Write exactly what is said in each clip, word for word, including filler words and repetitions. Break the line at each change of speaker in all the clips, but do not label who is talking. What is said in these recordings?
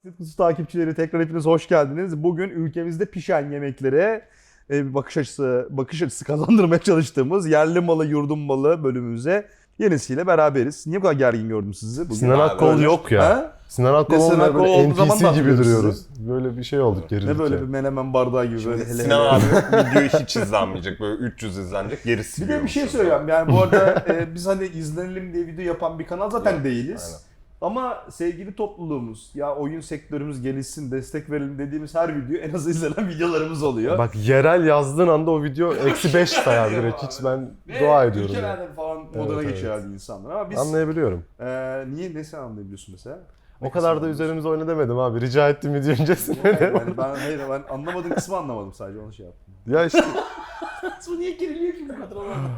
Kutusu takipçileri tekrar hepiniz hoş geldiniz. Bugün ülkemizde pişen yemeklere bir bakış açısı bakış açısı kazandırmaya çalıştığımız yerli malı yurdum malı bölümümüze yenisiyle beraberiz. Niye bu kadar gergin gördüm sizi bugün?
Sinan Akkol yok ya.
Ha?
Sinan Akkol
Sinan
olmayan
Akkol
böyle
olduğu
N
zaman
P
da
C gibi
hatırlıyoruz
duruyoruz. Böyle bir şey olduk gerildik.
Ne böyle
ya.
bir menemen bardağı gibi böyle hele
Sinan
hele.
abi videoyu hiç izlenmeyecek. Böyle üç yüz izlenecek. Gerisi
Bir de bir şey söyleyeceğim. Yani bu arada e, biz hani izlenelim diye video yapan bir kanal zaten
Yok,
değiliz.
aynen.
Ama sevgili topluluğumuz, ya oyun sektörümüz gelişsin, destek verelim dediğimiz her video en az izlenen videolarımız oluyor.
Bak yerel yazdığın anda o video eksi beş sayar direkt. Hiç ben
Ve
dua ediyorum. Ya.
ülkelerde falan moduna
Evet, evet.
geçiyorlardı insanlar. Ama biz
Anlayabiliyorum.
e, niye ne sen anlayabiliyorsun mesela?
O kadar da üzerimize oyna demedim abi. Rica ettim video öncesinde.
Yani ben hayır ben anlamadığım kısmı anlamadım sadece onu şey yaptım.
Ya işte
Bu niye geriliyor ki bu kadar anlamadım.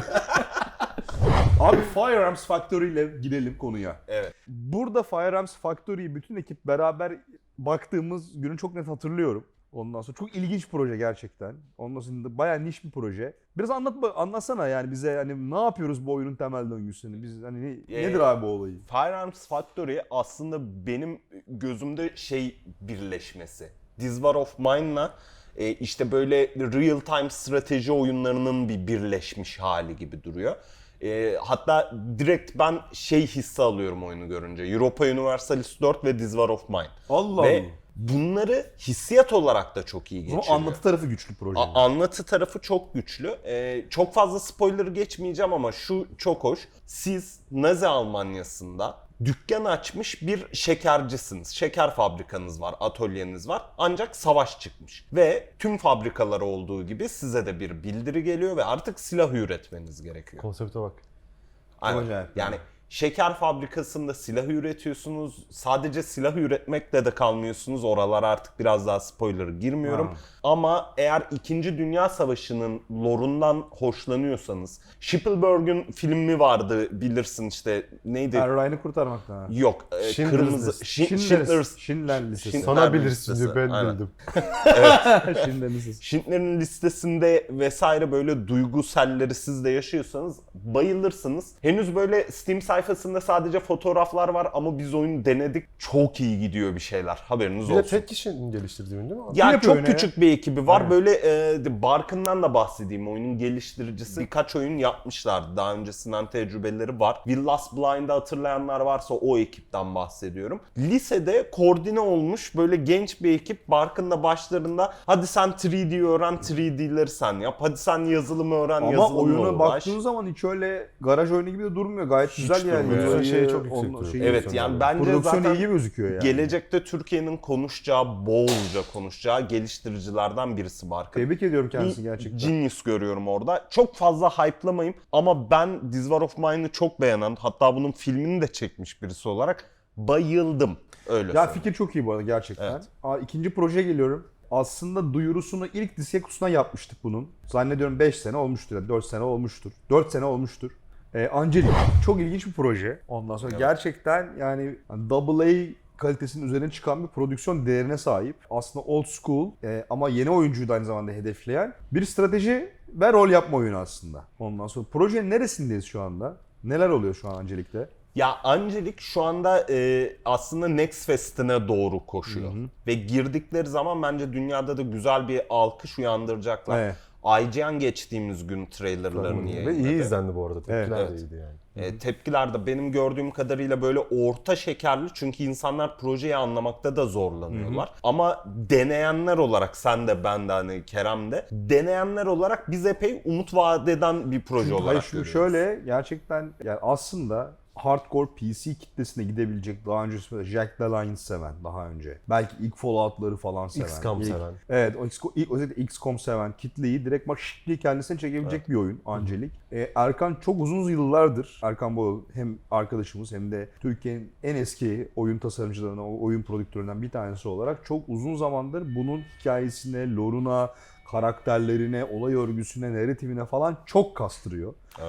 Abi Firearms Factory ile girelim konuya.
Evet.
Burada Firearms Factory'yi bütün ekip beraber baktığımız günü çok net hatırlıyorum. Ondan sonra çok ilginç proje gerçekten. Ondan sonra da bayağı niş bir proje. Biraz anlat anlatsana yani bize hani ne yapıyoruz bu oyunun temel döngüsünü? Biz hani ne-
Ee,
nedir abi bu olayı?
Firearms Factory aslında benim gözümde şey birleşmesi. This War of Mine'la e, işte böyle real time strateji oyunlarının bir birleşmiş hali gibi duruyor. E, hatta direkt ben şey hissi alıyorum oyunu görünce. Europa Universalis dört ve This War of Mine.
Allah
Ve
Allah.
bunları hissiyat olarak da çok iyi
Ama
geçiriyor.
anlatı tarafı güçlü proje.
A- anlatı tarafı çok güçlü. Ee, çok fazla spoiler geçmeyeceğim ama şu çok hoş. Siz Nazi Almanyası'nda dükkan açmış bir şekercisiniz. Şeker fabrikanız var, atölyeniz var. Ancak savaş çıkmış. Ve tüm fabrikalar olduğu gibi size de bir bildiri geliyor ve artık silah üretmeniz gerekiyor.
konsepte bak.
Aynen.
acayip.
Yani şeker fabrikasında silah üretiyorsunuz. Sadece silah üretmekle de kalmıyorsunuz. Oralara artık biraz daha spoiler girmiyorum.
Ha.
Ama eğer İkinci Dünya Savaşı'nın lore'undan hoşlanıyorsanız, Spielberg'ün filmi vardı bilirsin işte neydi?
Yani Ryan'ı kurtarmaktan. ha.
Yok, e,
Schindler's
kırmızı
List.
Şi-
Schindler's,
Schindler's
Schindler Listesi.
Schindler
Sana bilirsin
listesi,
diyor ben
aynen.
bildim.
Schindler Listesi.
Schindler'in listesinde vesaire böyle duyguselleri siz de yaşıyorsanız bayılırsınız. Henüz böyle Steam sayfasında sadece fotoğraflar var ama biz oyunu denedik. Çok iyi gidiyor bir şeyler. Haberiniz
Bir de
olsun.
tek kişinin geliştirdiği oyun değil mi?
Ya
yapıyor
çok
oyunu ya?
küçük bir ekibi var.
Aynen.
Böyle e, Barkın'dan da bahsedeyim. Oyunun geliştiricisi. Birkaç oyun yapmışlardı. Daha öncesinden tecrübeleri var. Will Last Blind'ı hatırlayanlar varsa o ekipten bahsediyorum. Lisede koordine olmuş böyle genç bir ekip Barkın'la başlarında hadi sen üç D öğren, üç D'leri sen yap. Hadi sen yazılımı öğren,
Ama
yazılımla
oyuna
uğraş.
baktığın zaman hiç öyle garaj oyunu gibi de durmuyor. Gayet güzel yani.
durmuyor.
Yazıyı,
Şey çok yüksek
onunla-
duruyor.
şeyi-
Evet yani bence
Prodüksiyon
zaten
iyi gözüküyor yani.
gelecekte Türkiye'nin konuşacağı, bolca konuşacağı geliştiricilerden birisi Barkın.
Tebrik ediyorum kendisini gerçekten.
Genius görüyorum orada. Çok fazla hype'lamayayım ama ben This War of Mine'ı çok beğenen, hatta bunun filmini de çekmiş birisi olarak bayıldım. Öyle
Ya
söyleyeyim.
fikir çok iyi bu arada gerçekten.
Evet.
Aa, ikinci proje geliyorum. Aslında duyurusunu ilk Diskekus'una yapmıştık bunun. Zannediyorum beş sene olmuştur, yani dört sene olmuştur. dört sene olmuştur. Ee, Angelic. Çok ilginç bir proje. Ondan sonra
Evet.
gerçekten yani double A kalitesinin üzerine çıkan bir prodüksiyon değerine sahip. Aslında old school e, ama yeni oyuncuyu da aynı zamanda hedefleyen bir strateji ve rol yapma oyunu aslında. Ondan sonra projenin neresindeyiz şu anda? Neler oluyor şu an Angelic'te?
Ya Angelic şu anda e, aslında Next Fest'ine doğru koşuyor. Ve girdikleri zaman bence dünyada da güzel bir alkış uyandıracaklar.
Evet.
I G N geçtiğimiz gün trailerlarını
Ve
yayınladı.
iyi izlendi bu arada. Tepkiler
Evet,
de
evet.
iyiydi yani.
E, tepkiler de benim gördüğüm kadarıyla böyle orta şekerli çünkü insanlar projeyi anlamakta da zorlanıyorlar. Ama deneyenler olarak sen de ben de hani Kerem de deneyenler olarak biz epey umut vaat eden bir proje
Çünkü
olarak
hayır, şimdi
görüyoruz.
şöyle gerçekten yani aslında hardcore P C kitlesine gidebilecek daha önce Jack Alliance seven daha önce. Belki ilk Fallout'ları falan seven.
X COM
ilk-
seven.
Evet, o X- ilk özellikle X COM seven kitleyi direkt bak şık diye kendisine çekebilecek bir oyun Angelic. Ee, Erkan çok uzun yıllardır, Erkan Boğul hem arkadaşımız hem de Türkiye'nin en eski oyun tasarımcılarından, o oyun prodüktöründen bir tanesi olarak çok uzun zamandır bunun hikayesine, lore'una, karakterlerine, olay örgüsüne, narratifine falan çok kastırıyor.
Evet.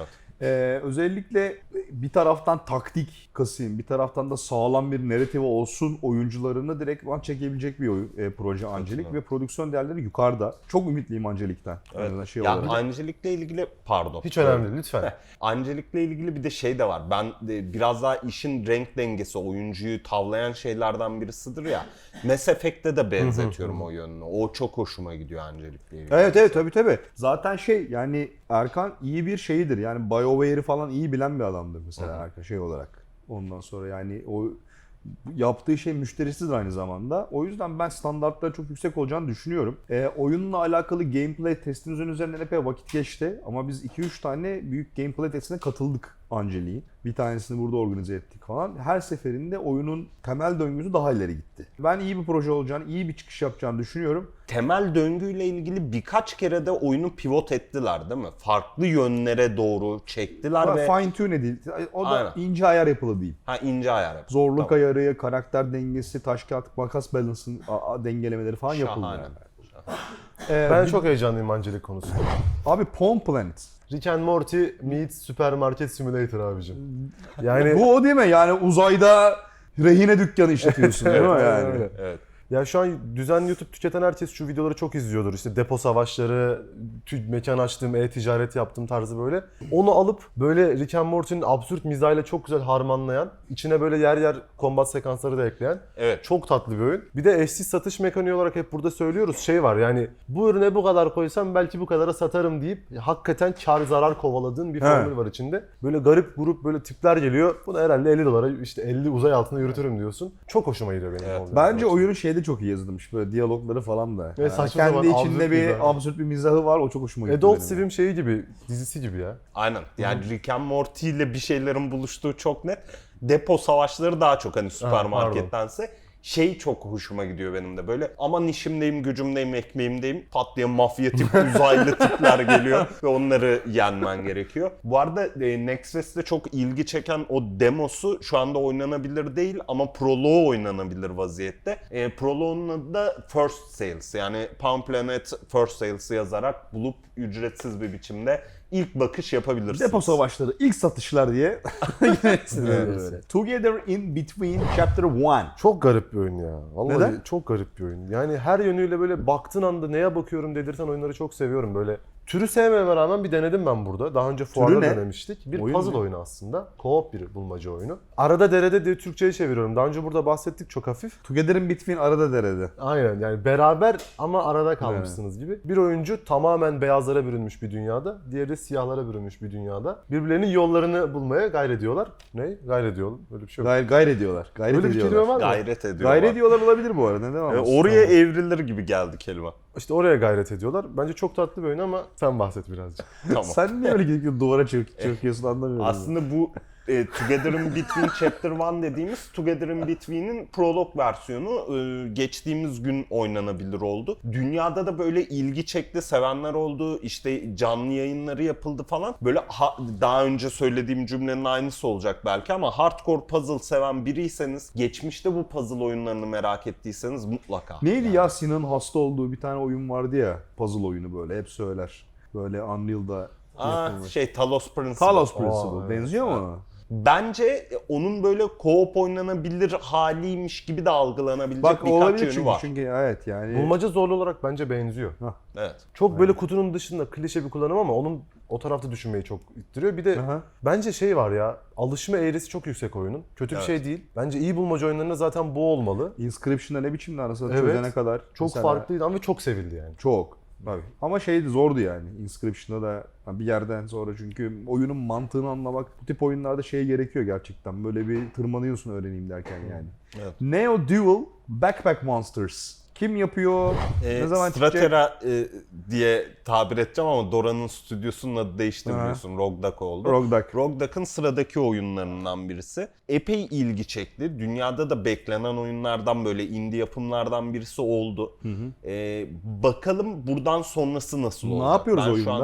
Ee, özellikle bir taraftan taktik kasayım, bir taraftan da sağlam bir narrative olsun oyuncularını direkt çekebilecek bir oyun, e, proje Angelic ve prodüksiyon değerleri yukarıda. Çok ümitliyim Angelic'ten.
Evet.
Yani şey
Ya
olarak.
Angelic'le ilgili pardon.
Hiç önemli değil lütfen.
Angelic'le ilgili bir de şey de var. Ben de biraz daha işin renk dengesi, oyuncuyu tavlayan şeylerden birisidir ya. Mass Effect'te de benzetiyorum o yönünü. O çok hoşuma gidiyor Angelic'le ilgili.
Evet evet tabii tabii. Zaten şey yani Erkan iyi bir şeyidir. Yani BioWare'i falan iyi bilen bir adamdır mesela Erkan şey olarak. Ondan sonra yani o yaptığı şey müşterisidir aynı zamanda. O yüzden ben standartları çok yüksek olacağını düşünüyorum. E, oyunla alakalı gameplay testimizin üzerinden epey vakit geçti. Ama biz iki üç tane büyük gameplay testine katıldık Angelic'i. Bir tanesini burada organize ettik falan. Her seferinde oyunun temel döngüsü daha ileri gitti. Ben iyi bir proje olacağını, iyi bir çıkış yapacağını düşünüyorum.
Temel döngüyle ilgili birkaç kere de oyunu pivot ettiler değil mi? Farklı yönlere doğru çektiler
Ama
ve...
fine tune değil. O da
Aynen.
ince ayar yapılı değil.
Ha ince ayar yap.
Zorluk
Tamam.
ayarı, karakter dengesi, taş kağıt makas balance'ın a- a- dengelemeleri falan yapıldı
Şahane.
yani. Ee,
Ben
bir-
çok heyecanlıyım Angelic konusunda.
Abi Pawn Planet.
Rick and Morty meets Supermarket Simulator abicim. Yani
Bu o değil mi? Yani uzayda rehine dükkanı işletiyorsun değil mi
Evet,
yani?
öyle.
Evet.
ya şu an düzenli YouTube tüketen herkes şu videoları çok izliyordur. İşte depo savaşları, tü- mekan açtım, e-ticaret yaptım tarzı böyle. Onu alıp böyle Rick and Morty'nin absürt mizahıyla çok güzel harmanlayan, içine böyle yer yer kombat sekansları da ekleyen
Evet.
çok tatlı bir oyun. Bir de eşsiz satış mekaniği olarak hep burada söylüyoruz. Şey var yani bu ürüne bu kadar koysam belki bu kadara satarım deyip hakikaten kar zarar kovaladığın bir
He.
formül var içinde. Böyle garip grup böyle tipler geliyor. Bunu herhalde elli dolara işte elli uzay altında yürütürüm diyorsun. Çok hoşuma gidiyor benim.
Evet.
o yüzden.
Bence oyunun şeyde çok iyi yazılmış. Böyle diyalogları falan da.
Ve
Yani
saçma
kendi
sapan
içinde
absürt
bir
mizahı.
absürt bir mizahı var. O çok hoşuma gitti
Adult
benim.
Swim şeyi gibi, dizisi gibi ya.
Aynen. Yani Rick and Morty ile bir şeylerin buluştuğu çok net. Depo savaşları daha çok hani süpermarkettense. Şey çok hoşuma gidiyor benim de böyle. Aman işimdeyim, gücümdeyim, ekmeğimdeyim. Pat diye mafya tip uzaylı tipler geliyor ve onları yenmen gerekiyor. Bu arada e, Nexus'te çok ilgi çeken o demosu şu anda oynanabilir değil ama proloğu oynanabilir vaziyette. E, proloğunun adı da First Sales, yani Pawn Planet First Sales'ı yazarak bulup ücretsiz bir biçimde ilk bakış yapabilirsiniz.
Depo savaşları, ilk satışlar diye.
Evet.
Böyle. Together in Between Chapter one.
Çok garip bir oyun ya. Vallahi
Neden?
çok garip bir oyun. Yani her yönüyle böyle baktığın anda neye bakıyorum dedirten oyunları çok seviyorum böyle. Türü sevmeme rağmen bir denedim ben burada. Daha önce fuarda
ne?
denemiştik. Bir
Oyun
puzzle
ne?
oyunu aslında. Co-op bir bulmaca oyunu. Arada derede diye Türkçe'ye çeviriyorum. Daha önce burada bahsettik çok hafif.
Together in Between arada derede.
Aynen yani beraber ama arada kalmışsınız gibi. Bir oyuncu tamamen beyazlara bürünmüş bir dünyada, diğeri de siyahlara bürünmüş bir dünyada. Birbirlerinin yollarını bulmaya gayret ediyorlar. Ne? Gayret ediyorlar. Öyle bir şey yok.
Gayret, gayret ediyorlar. Gayret
Öyle bir
ediyorlar.
kelime var mı?
Gayret ediyor.
Gayret ediyorlar olabilir bu arada. Neden
E,
olmasın?
oraya evrilir gibi geldi kelime.
İşte oraya gayret ediyorlar. Bence çok tatlı bir oyun ama sen bahset birazcık.
Tamam.
Sen niye öyle gidip duvara çırp, çırpıyorsun anlamıyorum.
Aslında bu e, Together in Between Chapter one dediğimiz Together in Between'in prolog versiyonu e, geçtiğimiz gün oynanabilir oldu. Dünyada da böyle ilgi çekti, sevenler oldu, işte canlı yayınları yapıldı falan. Böyle ha- daha önce söylediğim cümlenin aynısı olacak belki ama hardcore puzzle seven biriyseniz, geçmişte bu puzzle oyunlarını merak ettiyseniz mutlaka.
Neydi ya Sinan'ın hasta olduğu bir tane oyun vardı ya. Puzzle oyunu böyle hep söyler. Böyle Unreal'da
Aa,
yapılmış.
şey Talos Principle.
Talos Principle.
evet.
Benziyor mu ona?
Bence onun böyle co-op oynanabilir haliymiş gibi de algılanabilecek
Bak
birkaç
olabilir
yönü
çünkü,
var.
çünkü evet yani.
Bulmaca zorlu olarak bence benziyor.
Evet.
Çok böyle kutunun dışında klişe bir kullanım ama onun o tarafta düşünmeyi çok ittiriyor. Bir de
Aha.
bence şey var ya, alışma eğrisi çok yüksek oyunun. Kötü bir
Evet.
şey değil. Bence iyi bulmaca oyunlarında zaten bu olmalı.
Inscription'da ne biçimde arasında
Evet.
çözene kadar.
Çok
mesela-
farklıydı ama çok sevildi yani.
Çok. Tabii. Ama şeydi zordu yani. Inscription'da da bir yerden sonra çünkü oyunun mantığını anlamak bu tip oyunlarda şey gerekiyor gerçekten. Böyle bir tırmanıyorsun öğreneyim derken yani.
Evet.
Neo Duel Backpack Monsters. Kim yapıyor?
Ee,
ne zaman çıkacak?
Stratera e, diye tabir edeceğim ama Dora'nın stüdyosunun adı değişti
Aha.
biliyorsun. Rogue Duck oldu.
Rogue Duck.
Rogue Duck'ın sıradaki oyunlarından birisi. Epey ilgi çekti. Dünyada da beklenen oyunlardan, böyle indie yapımlardan birisi oldu. Ee, bakalım buradan sonrası nasıl
Ne
olacak?
yapıyoruz
ben
oyunda?
Şu anda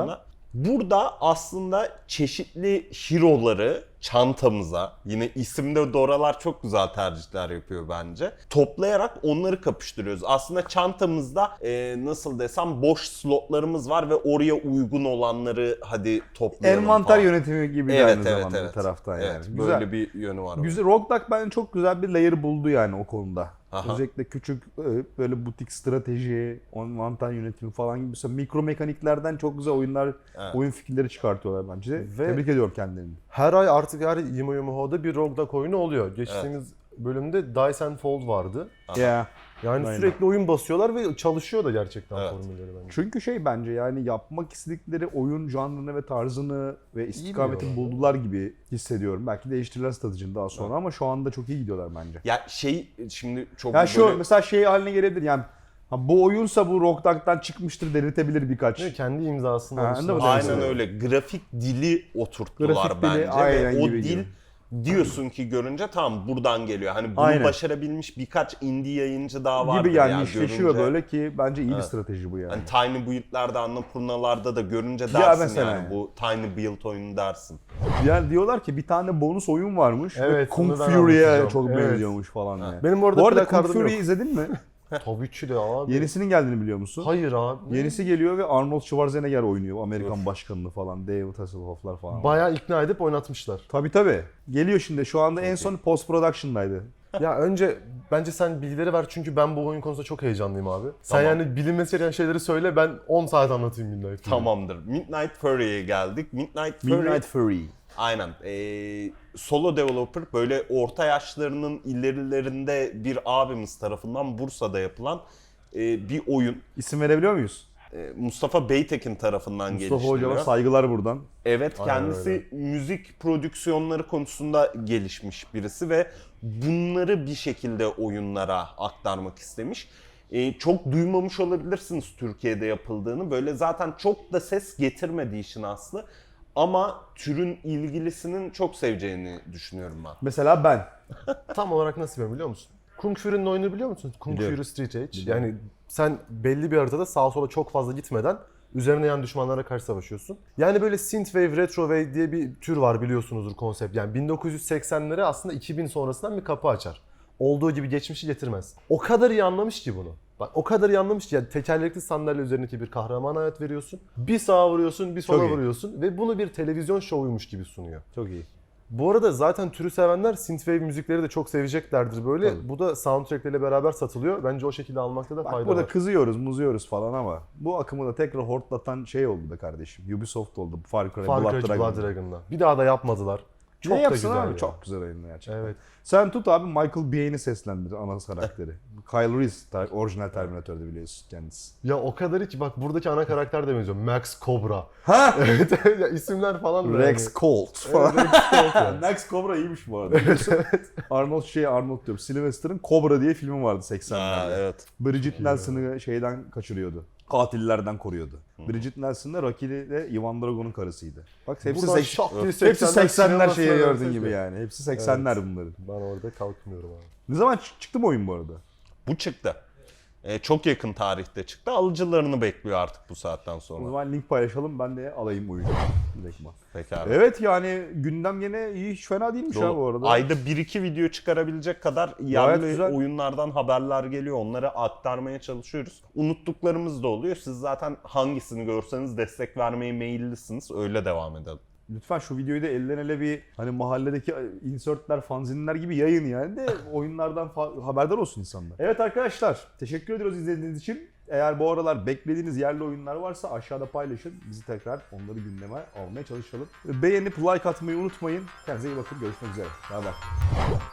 Burada aslında çeşitli hero'ları çantamıza, yine isimde Dora'lar çok güzel tercihler yapıyor bence, toplayarak onları kapıştırıyoruz. Aslında çantamızda e, nasıl desem boş slotlarımız var ve oraya uygun olanları hadi toplayalım
Envanter
falan.
yönetimi gibi
Evet,
aynı
evet,
zamanda
evet.
bir taraftan yani.
Evet,
Güzel.
böyle bir yönü var.
Güzel. Rogue Duck bence çok güzel bir layer buldu yani o konuda.
Aha.
Özellikle küçük e, böyle butik strateji, envanter yönetimi falan gibi mesela mikro mekaniklerden çok güzel oyunlar,
Evet.
oyun fikirleri çıkartıyorlar bence.
Ve-
Tebrik ediyorum kendilerini.
Her ay artık her Yimo Yimo'da bir Rogue Duck oyunu oluyor. Geçtiğimiz bölümde Dice and Fold vardı.
Aha.
Ya.
Yani
Aynen.
sürekli oyun basıyorlar ve çalışıyor da gerçekten
Evet.
formülleri bence.
Çünkü şey bence yani yapmak istedikleri oyun janrını ve tarzını ve istikametini
biliyorlar.
buldular gibi hissediyorum. Belki değiştirirler stratejini daha sonra ama şu anda çok iyi gidiyorlar bence.
Ya şey şimdi çok
Ya şu
böyle...
mesela şey haline gelebilir yani ha, bu oyunsa bu Rogue Duck'tan çıkmıştır deniltebilir birkaç.
Değil mi? Kendi imzasını
Ha,
almışlar.
anladın mı?
Aynen
Evet.
öyle. Grafik dili oturttular
Grafik dili
bence
aynen
ve o
gibi
dil
gibi.
diyorsun ki görünce tamam buradan geliyor. Hani bunu
Aynen.
başarabilmiş birkaç indie yayıncı daha var.
Gibi yani işleşiyor
görünce.
böyle ki bence iyi bir
Evet.
strateji bu yani.
Hani Tiny Build'lerde, Annapurnalarda da görünce
Ya
dersin
mesela
yani
yani.
bu Tiny Build oyunu dersin.
Yani diyorlar ki bir tane bonus oyun varmış ve
Evet,
Kung
onu ben
Fury'e
anlatacağım.
çok
Evet.
benziyormuş falan yani.
Benim bu arada
Bu arada
plakardım
Kung Fury'yi
yok.
izledin mi?
Tabii ki de abi.
Yenisinin geldiğini biliyor musun?
Hayır abi.
Yenisi geliyor ve Arnold Schwarzenegger oynuyor. Amerikan başkanını falan. David Hasselhoff'lar falan.
Bayağı ikna edip oynatmışlar.
Tabii tabii. Geliyor şimdi. Şu anda en son post production'daydı.
Ya önce bence sen bilgileri ver çünkü ben bu oyun konusunda çok heyecanlıyım abi. Sen
Tamam.
yani bilinmesi gereken şeyleri söyle ben on saat anlatayım Midnight Fury.
Tamamdır. Midnight Fury'ye geldik. Midnight Fury
Midnight Fury.
aynen. Ee, solo developer böyle orta yaşlarının ilerilerinde bir abimiz tarafından Bursa'da yapılan e, bir oyun.
İsim verebiliyor muyuz?
E, Mustafa Beytekin tarafından
Mustafa
geliştiriliyor.
Hocama saygılar buradan.
Evet,
Aynen
kendisi
öyle.
müzik prodüksiyonları konusunda gelişmiş birisi ve bunları bir şekilde oyunlara aktarmak istemiş. Ee, çok duymamış olabilirsiniz Türkiye'de yapıldığını. Böyle zaten çok da ses getirmedi işin aslı. Ama türün ilgilisinin çok seveceğini düşünüyorum ben.
Mesela ben.
Tam olarak nasıl biliyor musun? Kung Fury'nin oyunu biliyor musun? Kung
Biliyorum.
Fury Street Edge.
Biliyorum.
Yani sen belli bir haritada sağa sola çok fazla gitmeden üzerine yan düşmanlara karşı savaşıyorsun. Yani böyle synthwave, retrowave diye bir tür var biliyorsunuzdur konsept. Yani bin dokuz yüz seksenlere aslında iki bin sonrasından bir kapı açar. Olduğu gibi geçmişi getirmez. O kadar iyi anlamış ki bunu. Bak o kadar iyi anlamış ki yani tekerlekli sandalye üzerindeki bir kahraman hayat veriyorsun. Bir sağa vuruyorsun, bir sola
Çok iyi.
vuruyorsun ve bunu bir televizyon şovuymuş gibi sunuyor.
Çok iyi.
Bu arada zaten türü sevenler synthwave müzikleri de çok seveceklerdir böyle.
Tabii.
Bu da soundtrackleriyle beraber satılıyor. Bence o şekilde almakta da
Bak
fayda
burada
var.
kızıyoruz, muzuyoruz falan ama bu akımı da tekrar hortlatan şey oldu be kardeşim. Ubisoft oldu. Far Cry,
Far
Blood
Cry
Dragon.
Blood Dragon'la. Bir daha da yapmadılar. Çok
ne
da
yapsın
güzel
abi?
ya.
Çok güzel oyun gerçekten.
Evet.
Sen tut abi Michael Biehn'i seslendir ana karakteri. Kyle Reese ter- orijinal Terminator'da biliyorsun kendisi.
Ya o kadar iyi ki bak buradaki ana karakter de benziyor. Max Cobra.
Ha?
Evet ya isimler falan da
Rex
yani.
Colt falan.
Evet, Rex Colt yani.
Max Cobra iyiymiş bu arada. Arnold şey Arnold diyorum. Sylvester'ın Cobra diye filmi vardı
Ha,
seksenlerde.
evet.
Bridget Nelson'ı şeyden kaçırıyordu. Katillerden koruyordu. Bridget Nelson da Rocky de Ivan Drago'nun karısıydı. Bak hepsi,
Buradan
seks-
şak diye
hepsi
seksenler
seksenler
sinemasına
şeyi gördüğün
dönsek
gibi
ya.
yani. Hepsi seksenler bunların.
Ben orada kalkmıyorum abi.
Ne zaman çık- çıktı mı oyun bu arada?
Bu çıktı. Ee, çok yakın tarihte çıktı. Alıcılarını bekliyor artık bu saatten
O
sonra.
zaman link paylaşalım ben de alayım oyunu. Direktman.
Pekala.
Evet yani gündem yine iyi hiç fena değilmiş ha bu arada.
Ayda bir iki video çıkarabilecek kadar
Gayet
yerli
güzel.
oyunlardan haberler geliyor. Onları aktarmaya çalışıyoruz. Unuttuklarımız da oluyor. Siz zaten hangisini görseniz destek vermeye meyillisiniz. Öyle devam edelim.
Lütfen şu videoyu da elden ele bir hani mahalledeki insertler, fanzinler gibi yayın yani de oyunlardan fa- haberdar olsun insanlar. Evet arkadaşlar teşekkür ediyoruz izlediğiniz için. Eğer bu aralar beklediğiniz yerli oyunlar varsa aşağıda paylaşın. Bizi tekrar onları gündeme almaya çalışalım. Beğenip like atmayı unutmayın. Kendinize iyi bakın. Görüşmek üzere. Bay bay.